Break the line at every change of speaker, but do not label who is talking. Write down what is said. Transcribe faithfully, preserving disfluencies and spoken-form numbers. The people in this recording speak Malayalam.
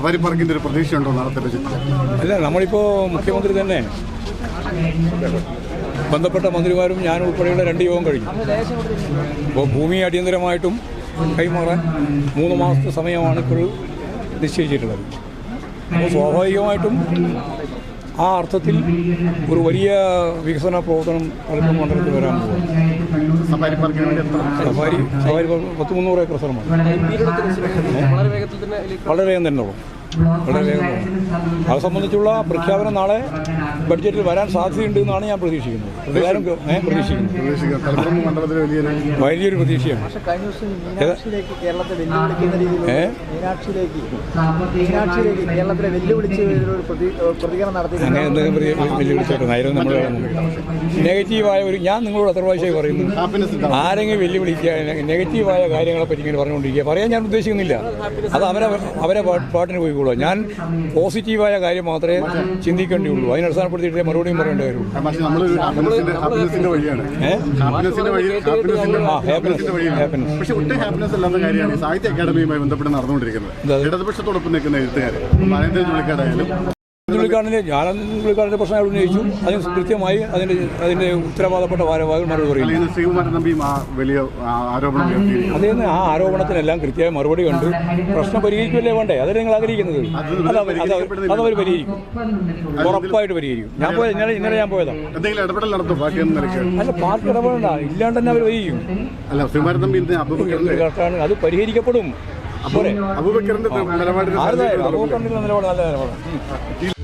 സഫാരി പാർക്കിൻ്റെ ഒരു പ്രതീക്ഷയുണ്ടോ നാളത്തെ ബജറ്റിൽ?
അല്ല, നമ്മളിപ്പോൾ മുഖ്യമന്ത്രി തന്നെ ബന്ധപ്പെട്ട മന്ത്രിമാരും ഞാൻ ഉൾപ്പെടെയുള്ള രണ്ട് യോഗം കഴിഞ്ഞു. അപ്പോൾ ഭൂമി അടിയന്തരമായിട്ടും കൈമാറാൻ മൂന്ന് മാസത്തെ സമയമാണ് ഇപ്പോൾ നിശ്ചയിച്ചിട്ടുള്ളത്. അപ്പോൾ സ്വാഭാവികമായിട്ടും ആ അർത്ഥത്തിൽ ഒരു വലിയ വികസന പ്രവർത്തനം പലപ്പോഴും മണ്ഡലത്തിൽ വരാൻ പോകും.
സഫാരി പാർക്കിന് വേണ്ടി
സഫാരി സഫാരി പത്ത് മുന്നൂറ് ഏക്കർ സ്ഥലമാണ്. വളരെ വേഗം തന്നെ ഉള്ളൂ, വളരെ വേഗം തന്നെ. അത് സംബന്ധിച്ചുള്ള പ്രഖ്യാപനം നാളെ ബഡ്ജറ്റിൽ വരാൻ സാധ്യതയുണ്ട് എന്നാണ് ഞാൻ പ്രതീക്ഷിക്കുന്നത്. പ്രകാരം ഞാൻ പ്രതീക്ഷിക്കുന്നത് വലിയൊരു പ്രതീക്ഷയാണ്. അങ്ങനെ എന്തെങ്കിലും വെല്ലുവിളിച്ചോട്ടെ. നമ്മൾ നെഗറ്റീവായ ഒരു ഞാൻ നിങ്ങളോട് എത്ര പ്രാവശ്യമായി പറയുന്നു, ആരെങ്കിലും വെല്ലുവിളിക്കുക നെഗറ്റീവായ കാര്യങ്ങളെ പറ്റി ഇങ്ങനെ പറഞ്ഞുകൊണ്ടിരിക്കുക പറയാൻ ഞാൻ ഉദ്ദേശിക്കുന്നില്ല. അത് അവരെ അവരെ പാട്ടിന് പോയിക്കോളൂ. ഞാൻ പോസിറ്റീവായ കാര്യം മാത്രമേ ചിന്തിക്കേണ്ടിയുള്ളൂ. അതിനെ അടിസ്ഥാനപ്പെടുത്തിയിട്ട് മറുപടിയും പറയേണ്ട കാര്യമുള്ളൂ.
സാഹിത്യ അക്കാദമിയുമായി ബന്ധപ്പെട്ട് നടന്നുകൊണ്ടിരിക്കുന്നത് ഇടതുപക്ഷത്തോടൊപ്പം നിൽക്കുന്ന എഴുത്തുകാർ
ചുള്ളിക്കാടിൻ്റെ ഞാൻ ചുള്ളിക്കാടിൻ്റെ പ്രശ്നങ്ങൾ ഉന്നയിച്ചു. അതിന് കൃത്യമായി അതിൻ്റെ അതിൻ്റെ ഉത്തരവാദപ്പെട്ട ഭാരവാഹികൾ മറുപടി പറയുന്നു.
ശ്രീകുമാരൻ തമ്പി വലിയ ആരോപണം
അദ്ദേഹം ആ ആരോപണത്തിനെല്ലാം കൃത്യമായി മറുപടി കണ്ട് പ്രശ്നം പരിഹരിക്കുമല്ലേ വേണ്ടേ? അതല്ലേ നിങ്ങൾ ആഗ്രഹിക്കുന്നത്? അതവർ പരിഹരിക്കും, ഉറപ്പായിട്ട് പരിഹരിക്കും. ഞാൻ പോയത് ഇന്നലെ ഇന്നലെ ഞാൻ പോയതാണ്.
എന്തെങ്കിലും ഇടപെടൽ നടത്തും പാർട്ടി?
അല്ല, പാർട്ടി ഇടപെടണ്ട, ഇല്ലാണ്ട് തന്നെ അവർ പരിഹരിക്കും.
അല്ല, ശ്രീകുമാരൻ തമ്പി
അത് പരിഹരിക്കപ്പെടും.
അബൂബക്കറിന്റെ നിലപാട്
അബൂബക്കറിന്റെ നിലപാട് നല്ല നിലപാടാണ്.